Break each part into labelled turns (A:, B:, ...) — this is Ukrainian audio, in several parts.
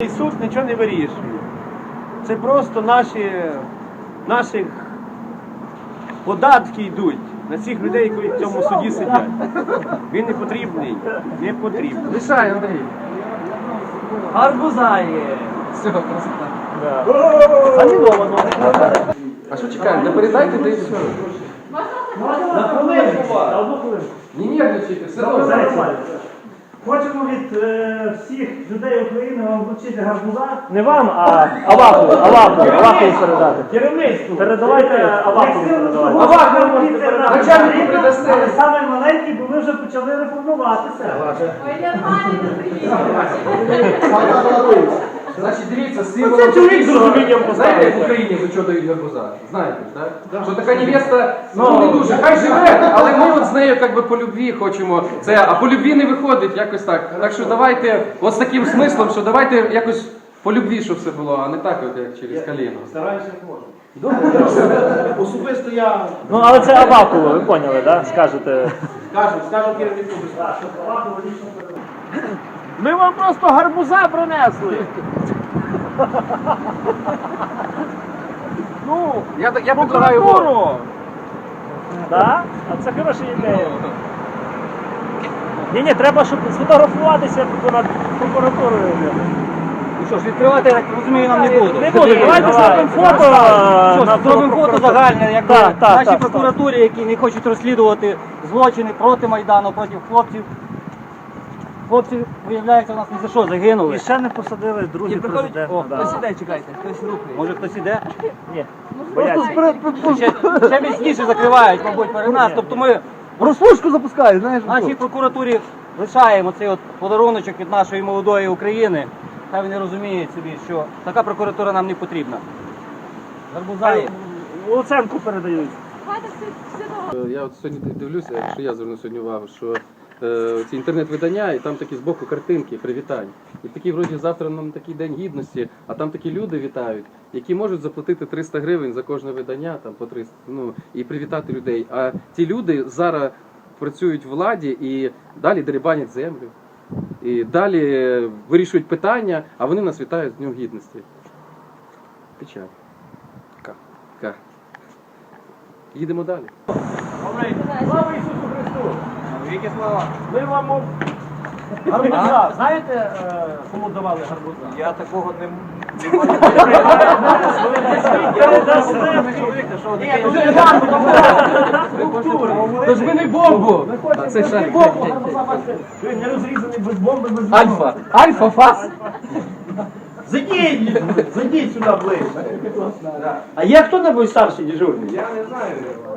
A: цей суд нічого не вирішує. Це просто наші податки йдуть на цих людей, які в цьому суді сидять. Він не потрібний, не потрібний.
B: Лишай, Андрій.
C: Гарбуза є.
B: Все, красота.
A: Заміновано.
B: А що чекаємо? Не передайте, де і все.
A: На хвилину.
B: Не нервничайте, все добре.
D: Хочемо від всіх людей України вам вручити гарбуза.
C: Не вам, а Авакову передати.
D: Керівництву.
C: Передавайте Авакову. передавайте.
B: Авакову начальнику передасте.
D: Але саме маленький, бо ми вже почали реформуватися.
E: Ой, нормально, приїхали.
B: Значить, дивіться, символом
A: чоловік з розумінням
B: знаєте, як в Україні за що дають гарбуза? Знаєте, так? Що така невеста, ну не дуже, хай живе, але ми от з нею як би по любві хочемо. Це, а по любві не виходить якось так. Так що давайте, от з таким смислом, що давайте якось по любві, щоб все було, а не так, от, як через коліно.
A: Стараюся, як можу. Особисто я
C: Ну, але це Авакова, ви поняли, так? Скажете.
A: скажу керівнику безпеки. Ми вам просто гарбуза принесли. Ну,
B: Я предлагаю вот.
A: прокуратуру.
C: Так? А це хороша ідея. Ні, треба, щоб сфотографуватися над прокуратурою.
F: Ну що ж, відкривати, я так розумію, нам не будуть.
C: Не буду, давайте зробимо фото.
F: Що ж, зробимо фото загальне, якби нашій
C: так.
F: прокуратурі, які не хочуть розслідувати злочини проти Майдану, проти хлопців. Хлопці, виявляється, у нас не за що загинули.
C: І ще не посадили друзів президента.
F: О,
C: Да.
F: хтось іде, чекайте, хтось рухає. Може хтось іде?
C: Ні, бояться.
F: Ще міцніше закривають, мабуть, перед нас. Тобто ми
D: Розпушку запускають, знаєш?
F: нашій прокуратурі лишаємо цей от подаруночок від нашої молодої України. Хай вони розуміють собі, що така прокуратура нам не потрібна. Гарбуза.
C: Луценку передають.
B: Я от сьогодні дивлюся, якщо я зверну сьогодні увагу, що ці інтернет-видання, і там такі збоку картинки, привітань. І такі, вроді, завтра нам такий день гідності, а там такі люди вітають, які можуть заплатити 300 гривень за кожне видання, там по 300, ну, і привітати людей. А ті люди зараз працюють в владі і далі дерибанять землю. І далі вирішують питання, а вони нас вітають з Днем Гідності. Печаль. Ка. Їдемо далі.
A: Слава Ісусу Христу! Віки слава! Ми вам гарбуза. Знаєте, кому давали гарбуза?
F: Я такого не
B: Тож ми не бомбу! Це шарик.
A: Ви не розрізаний без бомби, без
B: Альфа. Альфа, фас.
A: Зайдіть сюди ближче. А є хто-небудь старший дежурний?
G: Я не знаю.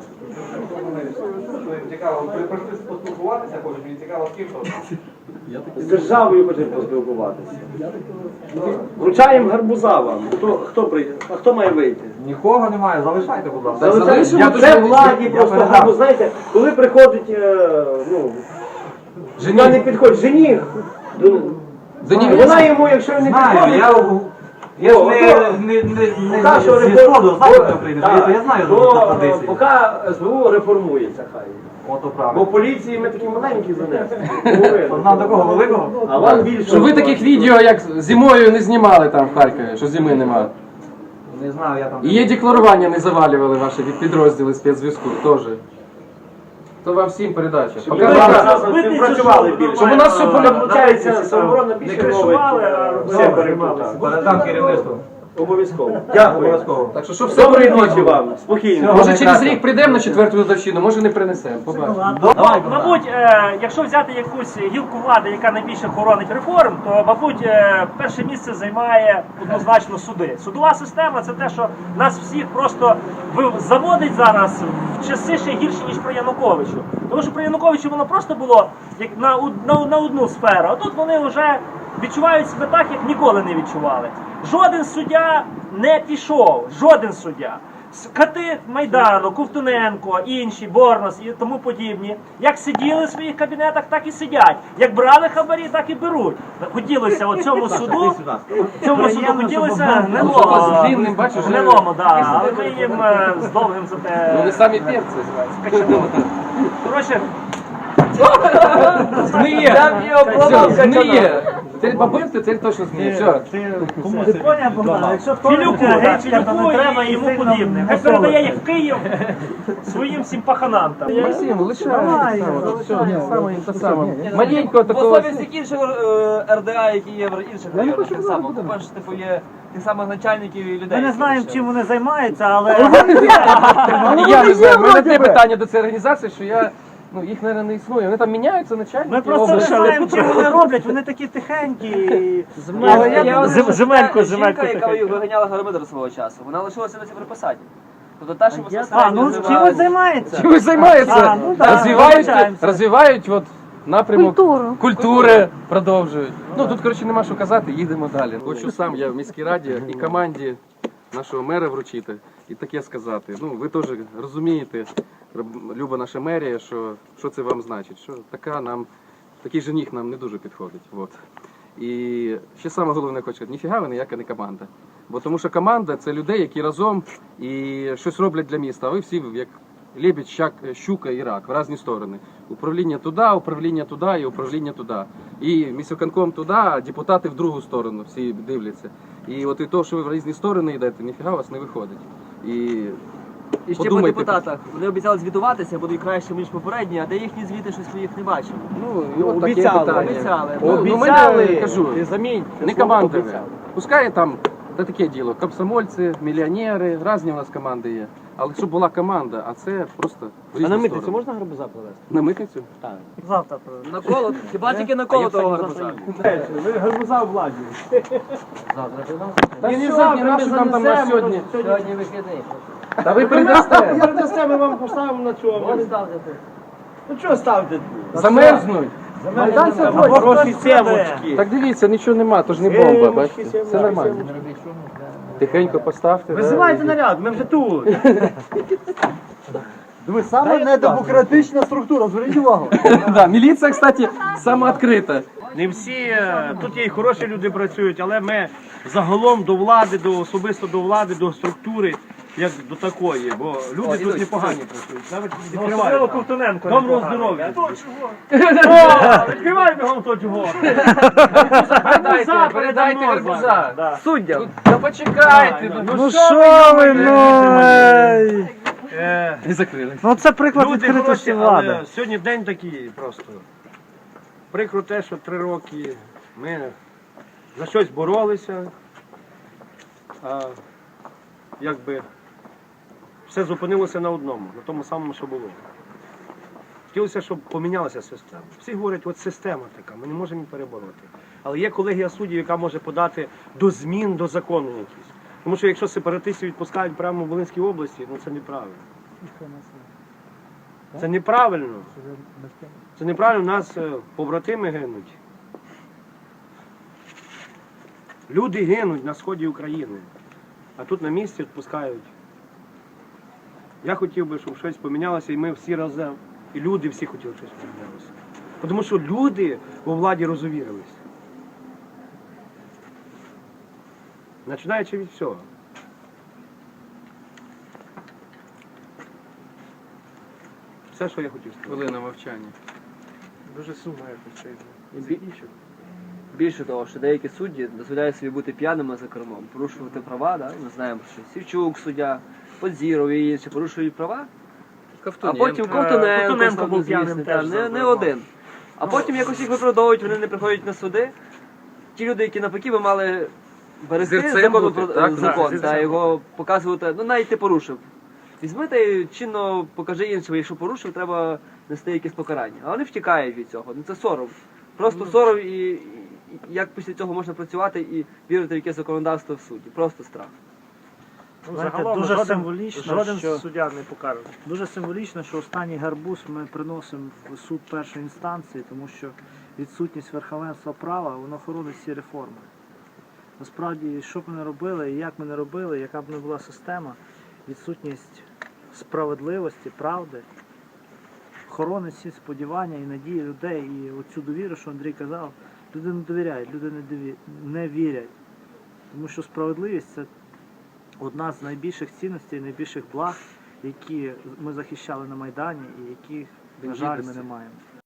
G: Мені цікаво, прийшли поспілкуватися, хочуть, мені цікаво з ким то.
A: З державою хочемо поспілкуватися. Вручаємо гарбуза вам. Хто прийде? А хто має вийти?
G: Нікого немає, залишайте, будь ласка.
A: Залишаємо. Це владі просто гарбуз. Знаєте, коли приходить, жена не підходить, жених. Вона йому, якщо не підходить,
G: Я ж не зі сходу, знаю, хто прийде, то я знаю за традиції.
A: поки СБУ реформується, хай.
G: Ото
A: Бо
G: правильно.
A: поліції ми такі маленькі занесли.
G: Нам такого великого?
A: А вам більше.
B: Щоб ви таких відео, як зимою, не знімали там в Харкові, що зими немає.
G: Не знаю, я там...
B: І є декларування, не завалювали ваші підрозділи спецзв'язку теж. То вам всім передача.
A: Ми
B: Показали,
A: співпрацювали більше.
B: щоб у нас все
A: Получається, самооборона більше
C: Не кришували, а
A: ловить.
C: все
A: перекрутали.
G: Передам керівництву.
A: Обов'язково. Дякую.
G: Обов'язково.
B: Так що, щоб все
A: Доброї
B: було.
A: ночі вам. Спокійно.
B: Може через рік прийдемо на 4-ту годовщину, може не принесемо. Побачимо.
C: Мабуть, якщо взяти якусь гілку влади, яка найбільше хоронить реформ, то, мабуть, перше місце займає однозначно суди. Судова система – це те, що нас всіх просто заводить зараз в часи ще гірше, ніж при Януковичу. Тому що при Януковичу воно просто було як на одну сферу, а тут вони вже відчувають себе так, як ніколи не відчували. Жоден суддя не пішов, жоден суддя. Кати Майдану, Ковтуненко, інші, Борнос і тому подібні, як сиділи в своїх кабінетах, так і сидять. Як брали хабарі, так і беруть. Хотілося цьому суду хотілося
B: Длинним, бачиш,
C: гнилому, але ми їм з довгим зате
B: Вони самі перці.
C: качанули. Коротше,
B: Зміє! Зміє! Це бабинство, це точно зміни. Все.
D: Ти поняв, Богдан? Якщо хто
C: Філюку,
D: гречка, то
C: Філюку
D: не треба
C: і йому
D: сильно
C: подібне. Хай
D: насолоди.
C: передає їх в Київ своїм всім паханам там.
B: Максим, лишай.
D: Давай,
B: Все, саме. Маленького
F: В
B: такого.
F: основі всіх інших РДА, які є в інших районах, так само. По-перше, типу, є тих самих начальників і людей.
D: Ми не
F: які
D: знаємо,
F: ще-
D: чим вони займаються, але
B: І я не знаю, у мене таке питання до цієї організації, що я, ну, їх, мабуть, не існує. Вони там міняються, начальники.
D: ми просто не
B: області.
D: знаємо, чим вони роблять. Вони такі тихенькі.
F: Але я думаю, що
C: Земельку,
F: та
C: земельку
F: жінка, яка
C: таке.
F: виганяла Гармидер свого часу, вона лишилася на цій приписаді. Тобто та, що
D: А,
F: безпосередньо
D: ну чимось займається.
B: Чимось займаються,
D: А, ну да,
B: розвивають,
D: вибачаємося.
B: розвивають от, напрямок культури, продовжують. Ну тут, коротше, нема що казати, їдемо далі. Хочу сам я в міській раді і команді нашого мера вручити і таке сказати. Ну, ви теж розумієте, люба наша мерія, що це вам значить, що такий жених нам не дуже підходить. От. І ще саме головне хочу сказати, ніфіга ви ніяка не команда. Бо тому що команда це людей, які разом і щось роблять для міста, а ви всі як лебідь, щука і рак в різні сторони. Управління туди і управління туди. І міськвиконком туди, а депутати в другу сторону всі дивляться. І от і то, що ви в різні сторони йдете, ніфіга у вас не виходить.
F: І ще по
B: подумайте.
F: депутатах. Вони обіцяли звітуватися, будуть краще, ніж попередні, а де їхні звіти, щось ми їх не бачимо.
B: Ну, і от таке
A: Обіцяли,
B: питання.
F: обіцяли.
B: Ну, мене, кажу,
A: ти замінь.
B: не команда. Пускай там, це таке діло, комсомольці, мільйонери, різні у нас команди є. Але щоб була команда, а це просто в різні сторони.
A: можна гарбуза привезти?
B: На митницю?
D: Завтра.
F: На коло, хіба тільки на коло того гарбуза.
A: Ви гарбуза в владі.
B: Та
A: І не
B: сьогодні,
A: завтра,
B: нащо
A: ми
B: нам там на
A: занесемо,
B: сьогодні?
F: Сьогодні вихідний.
B: Та ви передасте?
A: Передасте, ми вам поставимо на цьому. Ну чого ставте?
B: Замерзнуть.
A: Майдан сьогодні. Хороші семочки.
B: Так дивіться, нічого нема, то ж не бомба, бачите? Все нормально. Тихенько поставте.
A: Визивайте наряд, ми вже тут.
E: Ви саме недемократична структура, зверніть увагу.
B: Да, міліція, кстати, сама відкрита.
A: Не всі, тут є і хороші люди працюють, але ми загалом до влади, особисто до влади, до структури, як до такої, бо люди тут непогані працюють. Навіть
C: Особливо
A: відкривають.
C: Ковтуненко.
A: Доброго
C: непогано.
A: здоров'я.
C: О,
A: Відкривай бігом то чого.
B: Передайте гарбуза.
C: Да.
F: Суддям.
B: Та почекайте.
D: Ну що ви,
B: Не закрили.
D: Ну це приклад
A: Люди
D: відкритості
A: хороші,
D: влади.
A: але сьогодні день такий просто. Прикро те, що 3 роки ми за щось боролися, а якби все зупинилося на одному, на тому самому, що було. Хотілося, щоб помінялася система. Всі говорять, от система така, ми не можемо її перебороти. Але є колегія суддів, яка може подати до змін до закону якісь. Тому що якщо сепаратистів відпускають прямо в Волинській області, ну це неправильно. Це неправильно. Це неправильно, у нас побратими гинуть. Люди гинуть на сході України, а тут на місці відпускають. Я хотів би, щоб щось помінялося, і ми всі разом, і люди всі хотіли, щоб щось помінялося. Тому що люди у владі розувірились. Починаючи від всього. Все, що я хотів сказати.
B: Хвилина мовчання.
A: Дуже сумно якось це.
F: Більше того, що деякі судді дозволяють собі бути п'яними за кермом, порушувати права, да? Ми знаємо, що Сівчук, суддя, Подзіров і інші порушують права, а потім
C: Ковтуненко був п'яним
F: звісно,
C: теж за
F: не
C: кермом.
F: один. А потім якось їх виправдовують, вони не приходять на суди. Ті люди, які навпаки би мали берегти
B: Зірцем
F: закон,
B: бути, так?
F: закон
C: Так,
F: та його показувати, ну навіть ти порушив. Візьми та й чинно покажи іншим, якщо порушив, треба нести якесь покарання. А вони втікають від цього. Ну це сором. Просто сором і як після цього можна працювати і вірити в якесь законодавство в суді. Просто страх.
D: Знаєте,
C: Загалом
D: дуже
C: жоден-
D: символічно,
C: жоден
D: що-
C: суддя не покаже.
D: Дуже символічно, що останній гарбуз ми приносимо в суд першої інстанції, тому що відсутність верховенства права, воно хоронить всі реформи. Насправді, що б ми не робили, і як ми не робили, яка б не була система, відсутність справедливості, правди, хоронить всі сподівання і надії людей. І оцю довіру, що Андрій казав, люди не довіряють, люди не вірять. Тому що справедливість – це одна з найбільших цінностей, найбільших благ, які ми захищали на Майдані і яких, на жаль, ми не маємо.